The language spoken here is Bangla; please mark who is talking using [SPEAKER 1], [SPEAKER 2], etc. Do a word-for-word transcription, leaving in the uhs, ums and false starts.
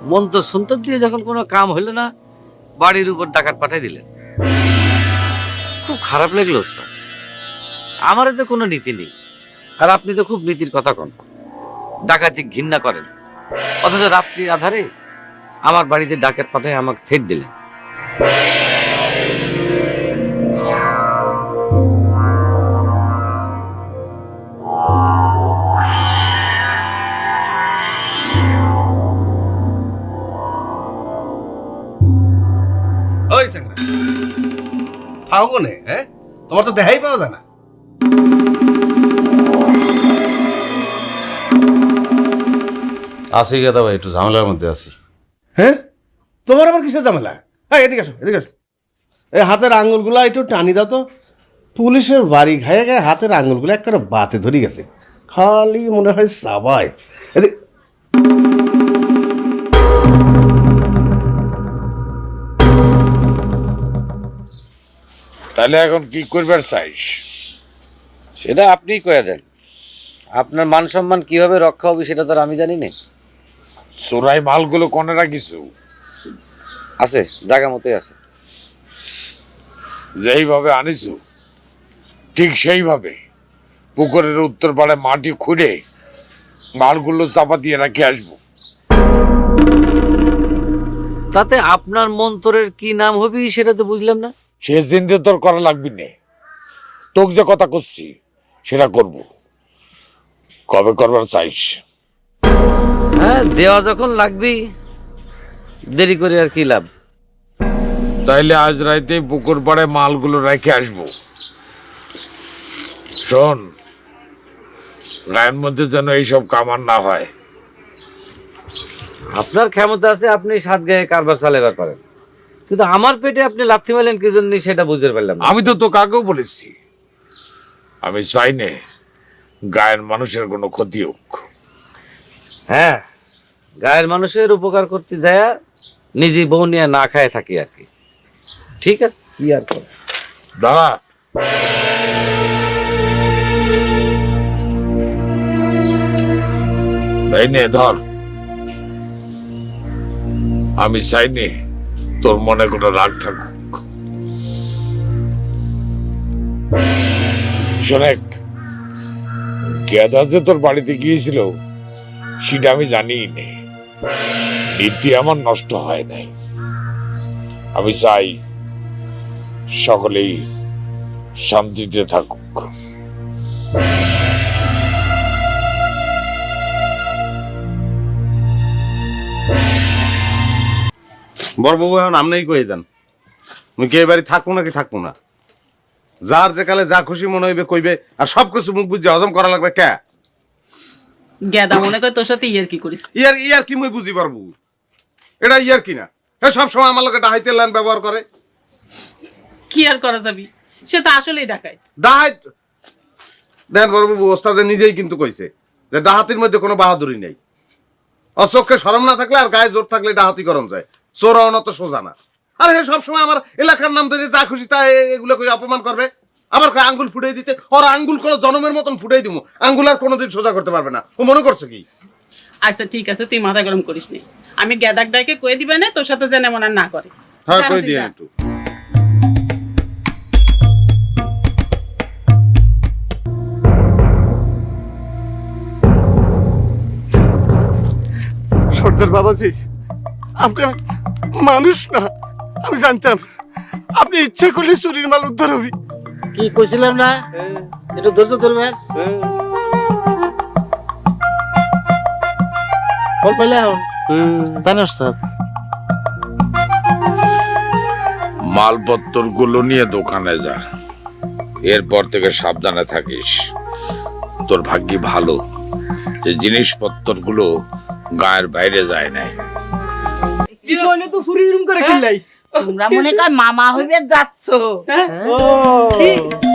[SPEAKER 1] মন্ত্র সন্তর দিয়ে যখন কোনো কাম হইল না, বাড়ির উপর ডাকাত পাঠাই দিলেন। খুব খারাপ লাগলো ওস্তাদ। আমার তো কোনো নীতি নেই, আর আপনি তো খুব নীতির কথা কন, ডাকাতি ঘৃণা করেন, অথচ রাত্রির আধারে আমার বাড়িতে ডাকাত পাঠায় আমাকে থেট দিলেন।
[SPEAKER 2] ওই স্যাংরা পাও কোনে? হ্যাঁ, তোমার তো দেখাই পাওয়া যায় না।
[SPEAKER 3] আসি গেদা ভাই, একটু ঝামেলার মধ্যে আছি।
[SPEAKER 2] হ্যাঁ, তোমার আবার কিসের ঝামেলা? হ্যাঁ, এদিকে আসো, এদিকে আসো। এই হাতের আঙুলগুলো একটু টানি দাও তো। পুলিশের বাড়ি খাইয়ে গায়ে হাতের আঙুলগুলো একটা বাতে ধরে গেছে, খালি মনে হয় সাবাই। এদিকে
[SPEAKER 4] তাহলে এখন কি করবার চাইস?
[SPEAKER 1] সেটা আপনিই কয়ে দেন। আপনার মান সম্মান কিভাবে রক্ষা হবে সেটা তো আর আমি জানি না।
[SPEAKER 4] চোরাই মালগুলো কোনে রাখিস?
[SPEAKER 1] আছে, জায়গা মতোই আছে।
[SPEAKER 4] যেইভাবে আনিস ঠিক সেইভাবে পুকুরের উত্তর পাড়ে মাটি খুঁড়ে মালগুলো চাপা দিয়ে রাখে আসবো।
[SPEAKER 1] তাতে আপনার মন্তরের কি নাম হবে সেটা তো বুঝলাম না।
[SPEAKER 4] শেষ দিন দিয়ে তোর করা লাগবি না, তোকে যে কথা করছি সেটা করব। কবে করবার চাইস?
[SPEAKER 1] হ্যাঁ, দেওয়া যখন লাগবেই, দেরি করে আর কি লাভ।
[SPEAKER 4] তাইলে আজ রাইতে পুকুর পাড়ে মালগুলো রেখে আসবো। শোন, গায়ের মধ্যে যেন এইসব কামার না হয়।
[SPEAKER 1] আপনার ক্ষমতা আছে, আপনি সাত গায়ে কারবার চালাবার পারেন, কিন্তু আমার পেটে আপনি লাথি মারলেন কি জন্য সেটা বুঝতে পারলাম না।
[SPEAKER 4] আমি তো তোকে আগেও বলেছি, আমি চাই না গায়ের মানুষের কোনো ক্ষতি হোক।
[SPEAKER 1] হ্যাঁ, গায়ের মানুষের উপকার করতে যায় নিজে বউ নিয়ে না খায় থাকি আর কি। ঠিক আছে, কি আর করে।
[SPEAKER 4] দাঁড়া, এই নে ধর। আমি চাই নে তোর মনে কোনো রাগ থাকুক। শোনেক, গেদা যে তোর বাড়িতে গিয়েছিল সেটা আমি জানিই নে। নীতি আমার নষ্ট হয় নাই। আমি চাই সকলেই শান্তিতে থাকুক।
[SPEAKER 3] বড়বাবু এখন আমনেই কয়ে দেন, মুই কি এবারে থাকবো নাকি থাকবো না? যার যে কালে যা খুশি মনে হইবে কইবে, আর সব কিছু মুখ বুঝে হজম করা লাগবে কে?
[SPEAKER 5] গেদা মনে করে তোর সাথে ইয়ার কি করিস?
[SPEAKER 3] ইয়ার ইয়ার কি মুই বুঝি পারবো? এটা ইয়ার কি না? হ্যাঁ, সব সময় আমার লোকে ডাহাইতে লাইন ব্যবহার করে।
[SPEAKER 5] কি আর করা যাবি, সে তো আসলেই ডাকায়।
[SPEAKER 3] ডাহাই দেন বড়বাবু, ওস্তাদে নিজেই কিন্তু কইছে যে ডাহাতির মধ্যে কোনো বাহাদুরি নেই। অচক্ষে শরম না থাকলে আর গায়ে জোর থাকলে ডাহাতি করম যায়, চোর হওয়া তো সোজা না। আর হে সবসময় আমার এলাকার নাম ধরে যা খুশি তা এগুলো কই অপমান করবে। আবার কয় আঙ্গুল ফুটাই দিতে, ওর আঙ্গুল কোনো জনমের মতন ফুটাই দিব, আঙ্গুল আর কোনোদিন সোজা করতে পারবে না। ও মনে করছে কি?
[SPEAKER 5] আচ্ছা ঠিক আছে, তুই মাথা গরম করিস নি। আমি গেদাক ডাকে কয়ে দিবে না তোর সাথে যেন এমন আর না করে।
[SPEAKER 3] হ্যাঁ, কই দিয়ে একটু।
[SPEAKER 2] সর্দার বাবাজি, আপনি মানুষ না, আমি জানতাম আপনি ইচ্ছে করলে চুরির মাল উদ্ধার হবি।
[SPEAKER 6] কি কইছিলাম না, একটু ধৈর্য ধরবেন। ফল পাইলে এখন তাই না ওস্তাদ?
[SPEAKER 4] মালপত্র গুলো নিয়ে দোকানে যা, এরপর থেকে সাবধানে থাকিস। তোর ভাগ্যি ভালো যে জিনিসপত্র গুলো গায়ের বাইরে যায় নাই।
[SPEAKER 5] তোমরা মনে কর মামা হইবে যাচ্ছ।